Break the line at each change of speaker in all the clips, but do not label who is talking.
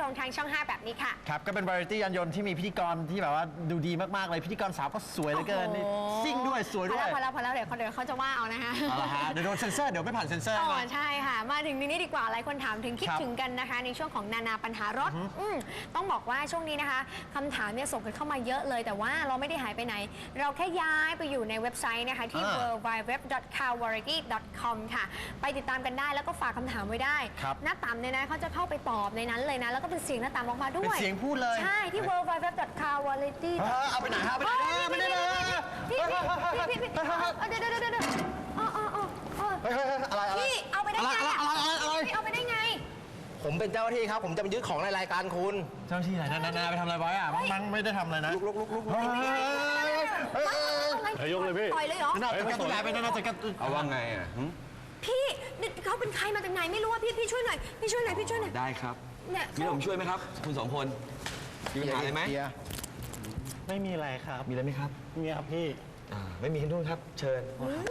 งทางช่อง 5 แบบนี้ค่ะ
ครับก็เป็นวาไรตี้ยานยนต์ที่มีพิธีกรที่แบบว่าดูดีมากๆเลยพิธีกรสาวก็สวยเหลือเกินซิ่งด้วยสวยด้วย
พอแล้วเดี๋ยวเขาจะว่าเอานะคะ
เอาละฮะเดี๋ยวโดนเซ็นเซอร์เดี๋ยวไม่ผ่านเซ็นเซอร์
อ๋อใช่ค่ะมาถึงนี้ดีกว่าหลายคนถามถึงคิดถึงกันนะคะในช่วงของนานาปัญหารถต้องบอกว่าช่วงนี้นะคะคำถามเนี่ยส่งกันเข้ามาเยอะเลยแต่ว่าเราไม่ได้หายไปไหนเราแค่ย้ายไปอยู่ในเว็บไซต์นะคะที่ www.carvariety.com ค่ะไปติดตามกันได้แล้วก็ฝากคำถามไว้ได้หน้าตามเนี่ยนะเขาจะเข้าไปตอบในนั้นเลยนะแล้วก็เป็นเสียงหน้าตามออกมาด้วย
เป็นเสียงพูดเลย
ใช่ที่ www.carvariety
เอาไปไหนฮะไม่ได้เลย
พี่เดี๋ยวอะไรพี่เอาไปได้ไงพี่เอาไปได้ไง
ผมเป็นเจ้าหน้าที่ครับผมจะมายึดของในรายการคุณ
เจ้าหน้าที่ไหนนาไปทำอะไรไว้อะมั้งไม่ได้ทำอะไรนะ
ลุก
ยกเลยพี่
ต่อยเลยเหรอ
นาจัดการตัวใหญ่ไปนาจัดการ
เอาว่าไงอ่ะ
พี่เขาเป็นใครมาจากไหนไม่รู้ว่าพี่ช่วยหน่อย
ได้ครับมีผมช่วยไหมครับคุณสองคนมีปัญหาอะไรไหม
ไม่มีอะไรครับ
มีอะไรไหมครับ
มีครับพี่
ไม่มีขึ้นนู่นครับเชิญ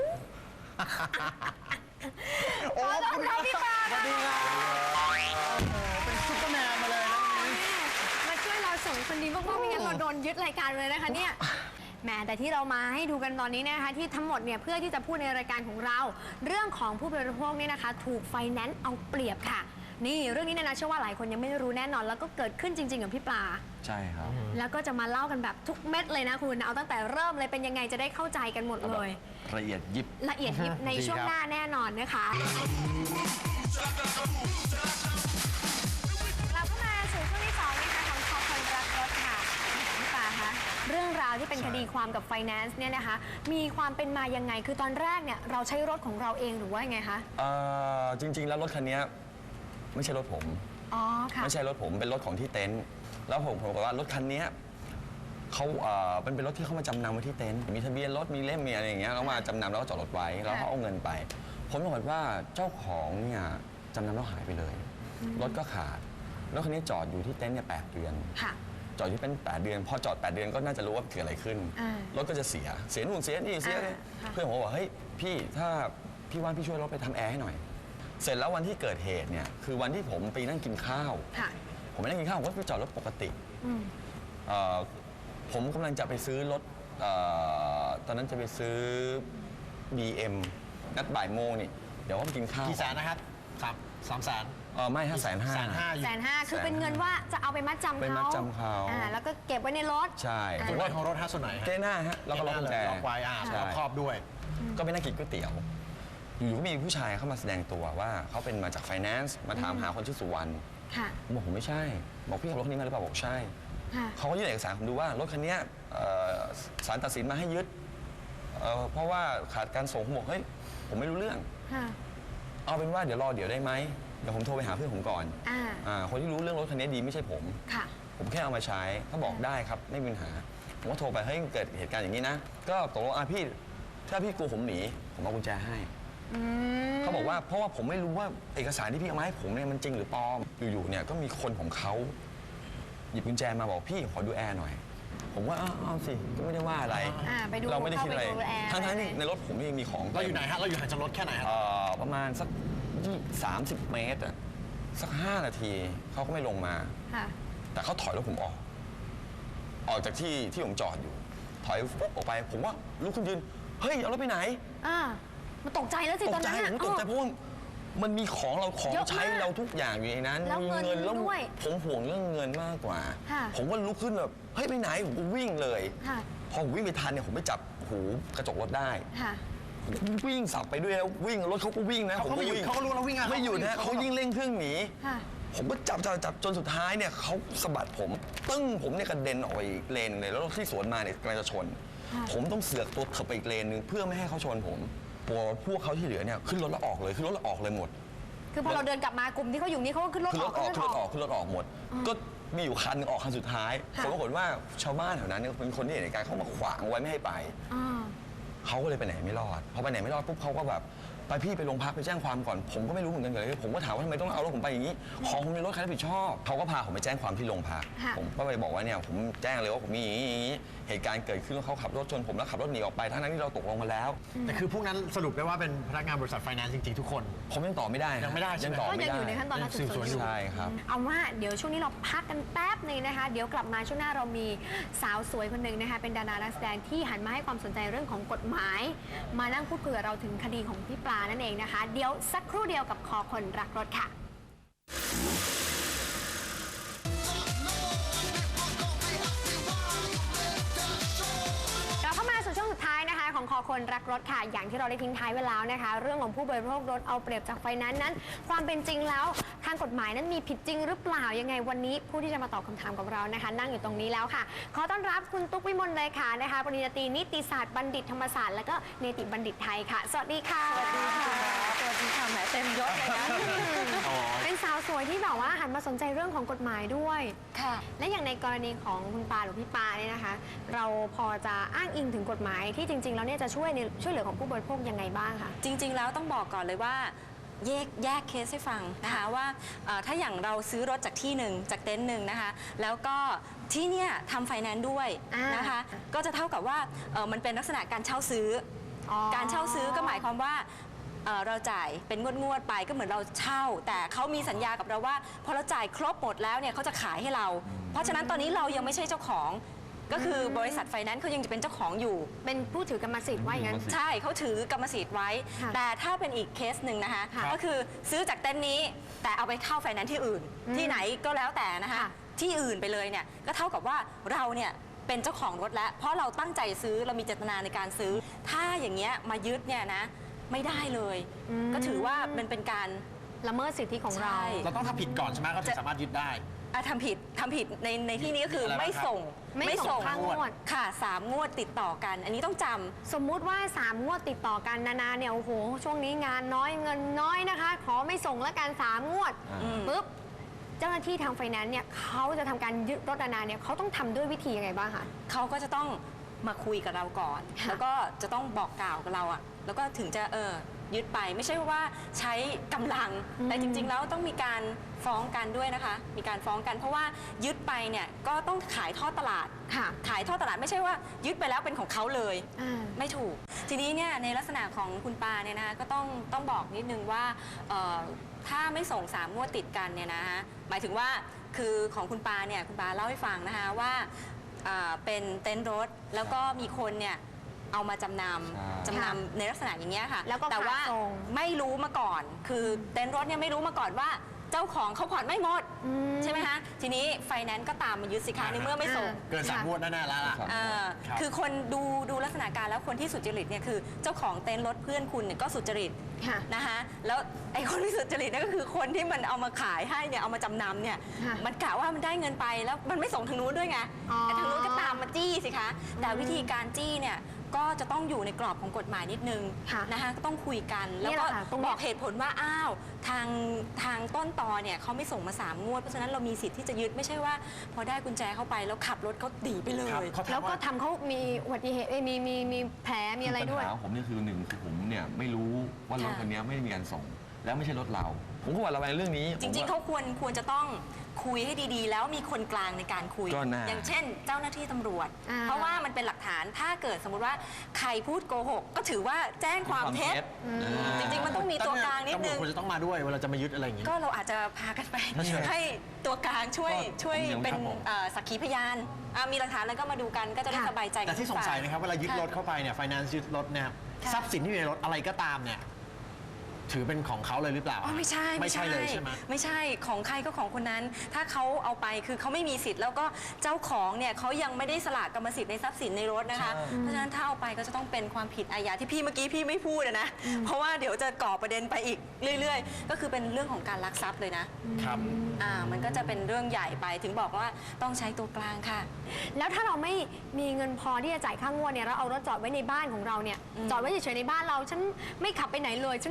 โอ้คุณครับพี่ปา
สวัสดีครับเป็นซุปเปอร์แมนมาเลยนะ
มาช่วยเราส่งคนดีมากๆไม่งั้นเราโดนยึดรายการเลยนะคะเนี่ยแหมแต่ที่เรามาให้ดูกันตอนนี้นะคะที่ทั้งหมดเนี่ยเพื่อที่จะพูดในรายการของเราเรื่องของผู้บริโภคเนี่ยนะคะถูกไฟแนนซ์เอาเปรียบค่ะนี่เรื่องนี้นะเชื่อว่าหลายคนยังไม่รู้แน่นอนแล้วก็เกิดขึ้นจริงๆกับพี่ปลา
ใช่ครับ
แล้วก็จะมาเล่ากันแบบทุกเม็ดเลยนะคุณเอาตั้งแต่เริ่มเลยเป็นยังไงจะได้เข้าใจกันหมดเลย
ละเอียดยิบ
ในช่วงหน้าแน่นอนนะคะเราก็มาสู่ช่วงที่2นะคะของคอคนรักรถค่ะพี่ปลาคะเรื่องราวที่เป็นคดีความกับไฟแนนซ์เนี่ยนะคะมีความเป็นมายังไงคือตอนแรกเนี่ยเราใช้รถของเราเองหรือว่าไงคะ
จริงๆแล้วรถคันนี้ไม่ใช่รถผมไม่ใช่รถผมเป็นรถของที่เต็นท์แล้วผมบอกว่ารถคันนี้เขาเป็นรถที่เขามาจำนำไว้ที่เต็นท์มีทะเบียนรถมีเล่มมีอะไรอย่างเงี้ยแล้วมาจำนำแล้วก็จอดรถไว้แล้วเขาเอาเงินไปผมบอกว่าเจ้าของเนี่ยจำนำแล้วหายไปเลยรถก็ขาดรถคันนี้จอดอยู่ที่เต็นท์เนี่ย8 เดือนจอดที่เป็น8 เดือนพอจอด8 เดือนก็น่าจะรู้ว่าเกิดอะไรขึ้นรถก็จะเสียนู่นเสียนี่เสียเพื่อนผมบอกเฮ้ยพี่ถ้าพี่ว่างพี่ช่วยรถไปทำแอร์ให้หน่อยเสร็จแล้ววันที่เกิดเหตุเนี่ยคือวันที่ผมไปนั่งกินข้าวผมไปนั่งกินข้าวผมก็ไปจอดรถปกติผมกำลังจะไปซื้อรถตอนนั้นจะไปซื้อ BM นัดบ่ายโมงนี่เดี๋ยวก็ไปกินข้าว
กี่แสนนะครับ300,000
ไม่
500,000คือเป็นเงินว่าจะเอาไปมัดจำเขาแล้วก็เก็บไว้ในรถ
ใช่
รถของรถส่วนไหน
เจ้หน้าฮะแล้วก็ล็อกกุญแจ
ล็อกไว้ล็อกครอบด้วย
ก็ไปนั่งกินก๋วยเตี๋ยวอยู่ก็มีผู้ชายเข้ามาแสดงตัวว่าเขาเป็นมาจากไฟแนนซ์มาถามหาคนชื่อสุวรรณผมบอกผมไม่ใช่บอกพี่ขับรถคันนี้มาหรือเปล่าบอกใช่เขาก็ยื่นเอกสารผมดูว่ารถคันนี้ศาลตัดสินมาให้ยึดเพราะว่าขาดการส่งผมบอกเฮ้ยผมไม่รู้เรื่องเอาเป็นว่าเดี๋ยวได้ไหมเดี๋ยวผมโทรไปหาเพื่อนผมก่อนคนที่รู้เรื่องรถคันนี้ดีไม่ใช่ผมแค่เอามาใช้เขาบอกได้ครับไม่มีปัญหาผมก็โทรไปเฮ้ยเกิดเหตุการณ์อย่างนี้นะก็ตกลงพี่ถ้าพี่กลัวผมหนีผมเอากุญแจให้เขาบอกว่าเพราะว่าผมไม่รู้ว่าเอกสารที่พี่เอามาให้ผมเนี่ยมันจริงหรือปลอมอยู่ๆเนี่ยก็มีคนของเขาหยิบกุญแจมาบอกพี่ขอดูแอร์หน่อยผมว่าเอาสิก็ไม่ได้ว่าอะไรเราไม่ได้คิดอะไรทั้งๆในรถผมยังมีของ
เราอยู่ไหนฮะเราอยู่ห่างจากรถแค่ไหนครับ
ประมาณสัก30 เมตรสัก5 นาทีเขาก็ไม่ลงมาแต่เขาถอยรถผมออกจากที่ผมจอดอยู่ถอยปุ๊บออกไปผมว่าลุกขึ้นยืนเฮ้ยเอารถไปไหน
มันตกใจแล้วสิตอนนั้น
ผมตกใจเพราะมันมีของใช้เราทุกอย่างอยู่ในนั้น
มีเงินแล้ว
ผมห่วงเรื่องเงินมากกว่าผมก็ลุกขึ้นแบบเฮ้ยไปไหนผมวิ่งเลยพอผมวิ่งไปทันเนี่ยผมไปจับหูกระจกรถได้วิ่งสับไปด้วยแล้ววิ่งรถเขาก็วิ่งนะ
ผมก็วิ่งเขารู้เราวิ่ง
ไม่หยุดนะเขายิ่งเร่งเครื่องหนีผมก็จับจนสุดท้ายเนี่ยเขาสะบัดผมตึ้งผมเนี่ยกระเด็นออกไปอีกเลนเลยแล้วรถที่สวนมาเนี่ยกำลังจะชนผมต้องเสือกตัวเถิบไปอีกเลนนึงเพื่อไม่ให้เขาชนผมพวกเขาที่เหลือเนี่ยขึ้นรถแล้วออกเลยหมด
คือพอเราเดินกลับมากลุ่มที่เขาอยู่นี่เขาก็ขึ้นรถอ
อกหมดก็มีอยู่คันนึงออกคันสุดท้ายผมปรากฏว่าชาวบ้านแถวนั้นเนี่ยเป็นคนที่เห็นเหตุการณ์เขามาขวางไว้ไม่ให้ไปเขาก็เลยไปไหนไม่รอดพอไปไหนไม่รอดปุ๊บเขาก็แบบไปพี่ไปโรงพักไปแจ้งความก่อนผมก็ไม่รู้เหมือนกันเลยผมก็ถามว่าทำไมต้องเอารถผมไปอย่างนี้ของผมในรถใครรับผิดชอบเขาก็พาผมไปแจ้งความที่โรงพักผมก็ไปบอกว่าเนี่ยผมแจ้งเลยว่าผมมีอย่างนี้เหตุการณ์เกิดขึ้นว่าเขาขับรถชนผมแล้วขับรถหนีออกไปทั้งนั้นที่เราตกลงมาแล้ว
แต่คือพวกนั้นสรุปได้ว่าเป็นพนักงานบริษัทไฟแนนซ์จริงๆทุกคน
ผมยังตอบไม่ได้
ยังไม่ได้ใช่ไหม
ยังตอบ
ก็
ไม่
ยัง
ได้
อยู่ในขั้นตอนการสืบสวนอยู่
ใช่ครับ
เอาว่าเดี๋ยวช่วงนี้เราพักกันแป๊บหนึงนะคะ เดี๋ยวกลับมาช่วงหน้าเรามีสาวสวยคนหนึ่งนะคะเป็นดารานักแสดงที่หันมาให้ความสนใจเรื่องของกฎหมาย มานั่งพูดคุยกับเราถึงคดีของพี่ปลานั่นเองนะคะเดี๋ยวสักครู่เดียวกับคอคนรักรถค่ะเข้ามาสู่ช่วงสุดท้ายนะคะของคอคนรักรถค่ะอย่างที่เราได้ทิ้งท้ายไว้แล้วนะคะเรื่องของผู้บริโภครถเอาเปรียบจากไฟแนนซ์นั้นความเป็นจริงแล้วทางกฎหมายนั้นมีผิดจริงหรือเปล่ายังไงวันนี้ผู้ที่จะมาตอบคำถามกับเรานะคะนั่งอยู่ตรงนี้แล้วค่ะขอต้อนรับคุณตุ๊กวิมลเลยค่ะนะคะปริญญาตรีนิติศาสตร์บัณฑิตธรรมศาสตร์และก็เนติบัณฑิตไทยค่ะสวัสดีค่ะสวัสดีค่ะสวัสดีค่ะแหมเต็มยศเลยนะเป็นสาวสวยที่แบบว่าหันมาสนใจเรื่องของกฎหมายด้วยค่ะและอย่างในกรณีของคุณปาหรือพี่ปาเนี่ยนะคะเราพอจะอ้างอิงถึงกฎหมายที่จริงๆแล้วเนี่ยจะช่วยเหลือของผู้บริโภคยังไงบ้างคะ
จริงๆแล้วต้องบอกก่อนเลยว่าแยกเคสให้ฟังนะคะว่าถ้าอย่างเราซื้อรถจากที่หนึ่งจากเต็นท์หนึ่งนะคะแล้วก็ที่เนี่ยทำไฟแนนซ์ด้วยนะคะก็จะเท่ากับว่ามันเป็นลักษณะการเช่าซื้อการเช่าซื้อก็หมายความว่าเราจ่ายเป็นงวดๆไปก็เหมือนเราเช่าแต่เขามีสัญญากับเราว่าพอเราจ่ายครบหมดแล้วเนี่ยเขาจะขายให้เราเพราะฉะนั้นตอนนี้เรายังไม่ใช่เจ้าของก็คือบริษัทไฟแนนซ์เขายังจะเป็นเจ้าของอยู่
เป็นผู้ถือกรรมสิทธิ์ว่าอย่างนั้น
ใช่เขาถือกรรมสิทธิ์ไว้แต่ถ้าเป็นอีกเคสหนึ่งนะคะก็คือซื้อจากเต็นท์นี้แต่เอาไปเข้าไฟแนนซ์ที่อื่นที่ไหนก็แล้วแต่นะคะที่อื่นไปเลยเนี่ยก็เท่ากับว่าเราเนี่ยเป็นเจ้าของรถแล้วเพราะเราตั้งใจซื้อเรามีเจตนาในการซื้อถ้าอย่างเงี้ยมายึดเนี่ยนะไม่ได้เลยก็ถือว่ามันเป็นการ
ละเมิดสิทธิของเรา
เราต้องทำผิดก่อนใช่ไหมเขาถึงสามารถยึดได้
ทำผิดในที่นี้ก็คือไม่ส่ง
ค่างวด
ค่ะ3 งวดติดต่อกันอันนี้ต้องจำ
สมมุติว่า3 งวดติดต่อกันนาเนี่ยโอ้โหช่วงนี้งานน้อยเงินน้อยนะคะขอไม่ส่งแล้วกัน3 งวดปุ๊บเจ้าหน้าที่ทางไฟแนนซ์เนี่ยเขาจะทำการยึดรถนาเนี่ยเขาต้องทำด้วยวิธียังไงบ้างคะ
เขาก็จะต้องมาคุยกับเราก่อนแล้วก็จะต้องบอกกล่าวกับเราอะแล้วก็ถึงจะยึดไปไม่ใช่ว่าใช้กำลังแต่จริงๆแล้วต้องมีการฟ้องกันด้วยนะคะมีการฟ้องกันเพราะว่ายึดไปเนี่ยก็ต้องขายทอดตลาดขายทอดตลาดไม่ใช่ว่ายึดไปแล้วเป็นของเขาเลยไม่ถูกทีนี้เนี่ยในลักษณะของคุณปาเนี่ยนะคะก็ต้องบอกนิดนึงว่าถ้าไม่ส่ง3 งวดติดกันเนี่ยนะคะหมายถึงว่าคือของคุณปาเนี่ยคุณปาเล่าให้ฟังนะคะว่าเป็นเต็นท์รถแล้วก็มีคนเนี่ยเอามาจำนำในลักษณะอย่างเงี้ยค่ะแต่ว่าไม่รู้มาก่อนคือเต็นท์รถเนี่ยไม่รู้มาก่อนว่าเจ้าของเขาผ่อนไม่หมดใช่ไหมคะทีนี้ไฟแนนซ์ก็ตามมายึดสิคะในเมื่อไม่ส่ง
เกิน3 งวดแน่ๆแล้วล่ะ
คือคนดูลักษณะการแล้วคนที่สุจริตเนี่ยคือเจ้าของเต็นท์รถเพื่อนคุณเนี่ยก็สุจริตนะคะแล้วไอ้คนที่สุจริตนั่นก็คือคนที่มันเอามาขายให้เนี่ยเอามาจำนำเนี่ยมันกะว่ามันได้เงินไปแล้วมันไม่ส่งทางนู้นด้วยไงแต่ทางนู้นก็ตามมาจี้สิคะแต่วิธีการจี้เนี่ยก็จะต้องอยู่ในกรอบของกฎหมายนิดนึงนะคะก็ต้องคุยกันแล้วก็บอกเหตุผลว่าอ้าวทางต้นตอเนี่ยเขาไม่ส่งมา3 งวดเพราะฉะนั้นเรามีสิทธิ์ที่จะยึดไม่ใช่ว่าพอได้กุญแจเข้าไปแล้วขับรถเขาตีไปเลย
แล้วก็ทำเขามีอุบัติเหตุมีแผลมีอะไรด้วย
ปัญหาผมนี่คือ1คือผมเนี่ยไม่รู้ว่ารถคันนี้ไม่ได้มีการส่งแล้วไม่ใช่รถเราผมก็หวั่นระแวงเรื่องนี้
จริงๆเขาควรจะต้องคุยให้ดีๆแล้วมีคนกลางในการคุยอย่างเช่นเจ้าหน้าที่ตำรวจเพราะว่ามันเป็นหลักฐานถ้าเกิดสมมุติว่าใครพูดโกหกก็ถือว่าแจ้งความเท็จจริงๆมันต้องมีตัวกลางนิดนึง
ตำรวจควรจะต้องมาด้วยเวลาจะมายึดอะไรอย่างงี้
ก็เราอาจจะพากันไปให้ตัวกลางช่วยเป็นสักขีพยานมีหลักฐานแล้วก็มาดูกันก็จะได้สบายใจ
แต่ที่สงสัยนะครับเวลายึดรถเข้าไปเนี่ยไฟแนนซ์ยึดรถเนี่ยทรัพย์สินที่อยู่ในรถอะไรก็ตามเนี่ยถือเป็นของเขาเลยหรือเปล่า
ไม่ใช่
เลยใช่ไหม
ไม่ใช่ของใครก็ของคนนั้นถ้าเขาเอาไปคือเขาไม่มีสิทธิ์แล้วก็เจ้าของเนี่ยเขายังไม่ได้สละกรรมสิทธิ์ในทรัพย์สินในรถนะคะเพราะฉะนั้นถ้าเอาไปก็จะต้องเป็นความผิดอาญาที่พี่เมื่อกี้พี่ไม่พูดนะเพราะว่าเดี๋ยวจะก่อประเด็นไปอีกเรื่อยๆก็คือเป็นเรื่องของการลักทรัพย์เลยนะครับมันก็จะเป็นเรื่องใหญ่ไปถึงบอกว่าต้องใช้ตัวกลางค่ะ
แล้วถ้าเราไม่มีเงินพอที่จะจ่ายค่างวดเนี่ยเราเอารถจอดไว้ในบ้านของเราเนี่ยจอดไว้เฉยๆในบ้านเราฉันไม่ขับไปไหนเลยฉันจอดไว้ใน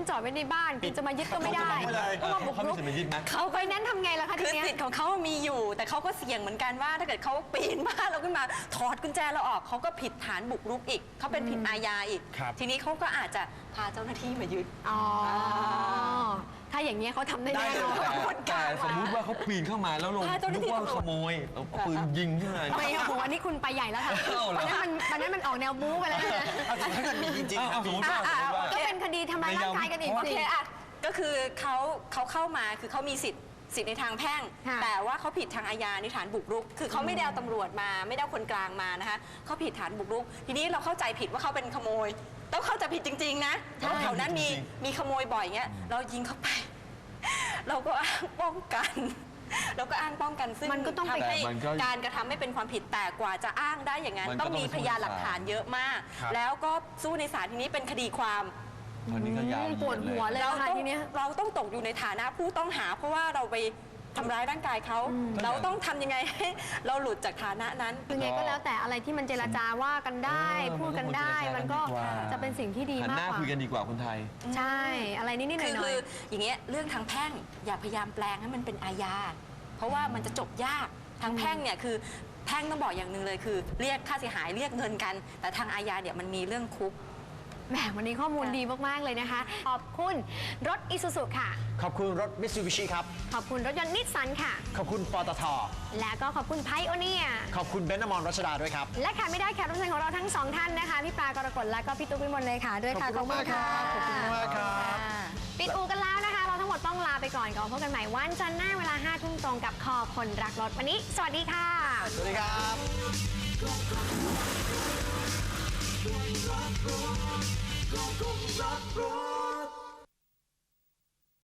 บ้านคุณจะมายึดก็ไม่ได้
เขาจะบอกไว้เลย
ก็มาบุกรุก
เขามีสิทธิ์มายึดไหม
เขา
ไฟแนนซ์ทำไงล่ะคะ
คื
ที
อ
เนี้ย
สิทธิ์ของเขามีอยู่ แต่เขาก็เสี่ยงเหมือนกันว่า ถ้าเกิดเขาปีนบ้านเราขึ้นมาถอดกุญแจเราออกเขาก็ผิดฐานบุกรุกอีกเขาเป็นผิดอาญาอีก
ครับ
ทีนี้เขาก็อาจจะพาเจ้าหน้าที่มายึด
อ๋อ ถ้าอย่างนี้ยเขาทำได้แน่นอน
แต่สมมุติว่าเขาปีนเข้ามาแล้วลง
พาเจ้าหน้า
นึ
ที่
กว่าขโมยเอาปืนยิงขึ้นมา
ไม่โอ้โหอันนี้คุณไปใหญ่แล้วค่ะ
เอาเหรอ
ตอนนั้นมันออกแนวบู๊ไปแล้วนะ
เอาแต่ถ้าเกิดมีจริงๆ
เอาสมมติว่า
ก็เป็นคดีทำร้ายร่างกายกันอีก
โอ
สิ
เคอะก็คือเขาเข้ามาคือเขามีสิทธิ์ในทางแพ่ง
ค่ะ
แต่ว่าเขาผิดทางอาญาในฐานบุกรุก คือเขาไม่ได้เอาตำรวจมาไม่ได้เอาคนกลางมานะคะเขาผิดฐานบุกรุก ทีนี้เราเข้าใจผิดว่าเขาเป็นขโมย ต้องเข้าใจผิดจริง ๆ นะเพราะแถวนั้นมีขโมยบ่อยเงี้ยเรายิงเข้าไป เราก็อ้างป้องกัน เราก็อ้างป้องกันซึ่ง
มันก็ต้องไป
ทำให้
แต่มันก็
การกระทำไม่เป็นความผิดแต่กว่าจะอ้างได้อย่างนั้น
มันก็
ต้องมี
ต้องไป
พยานหลักฐานเยอะมาก
ครับ
แล้วก็สู้ในศาลทีนี้เป็นคดีความ
คนนี้ก็ยาวเหยียด
ปวดหัวเลย
เรา
ค่ะ
ต้อง
ทีเนี้ย
เราต้องตกอยู่ในฐานะผู้ต้องหา เพราะว่าเราไปทำร้ายร่างกายเขา เราต้องทำยังไงให้เราหลุดจากฐานะนั้น
คือไงก็แล้วแต่อะไรที่มันเจรจาว่ากันได้ พูดกันได้ มันก็จะเป็นสิ่งที่ดี
หัน
มาก
หน้าก
ว่า
คุยกันดีกว่าคนไทย
ใช่ อะไรนิดๆห
คือ
น่อย
อย่างเงี้ยเรื่องทางแพ่งอย่าพยายามแปลงให้มันเป็นอาญาเพราะว่ามันจะจบยากทางแพ่งเนี่ยคือแพ่งต้องบอกอย่างหนึ่งเลยคือ เรียกค่าเสียหายเรียกเงินกัน แต่ทางอาญาเนี่ยมันมีเรื่องคุก
ๆแหมวันนี้ข้อมูลดีมากๆเลยนะคะ ขอบคุณรถอิซูซุค่ะ
ขอบคุณรถมิตซูบิชิครับ
ขอบคุณรถยนต์นิสสันค่ะ
ขอบคุณปตท
และก็ขอบคุณไพโอเนีย
ขอบคุณเบนซ์อมรรัชดาด้วยครับ
และขาดไม่ได้แขกรับเชิญของเราทั้งสองท่านนะคะ พี่ปลากรกฎและก็พี่ตุ๊กวิมลเลยค่ะ ด้วยค่ะ
ขอบคุณมากครับขอบคุณมากครับ
ปิดอูกันแล้วนะคะ เราทั้งหมดต้องลาไปก่อนก่อนพบกันใหม่วันจันทร์หน้าเวลา 5 ทุ่มตรงกับคอคนรักรถวันนี้ สวัสดีค่ะ
สวัสดีครับ
Rock, rock.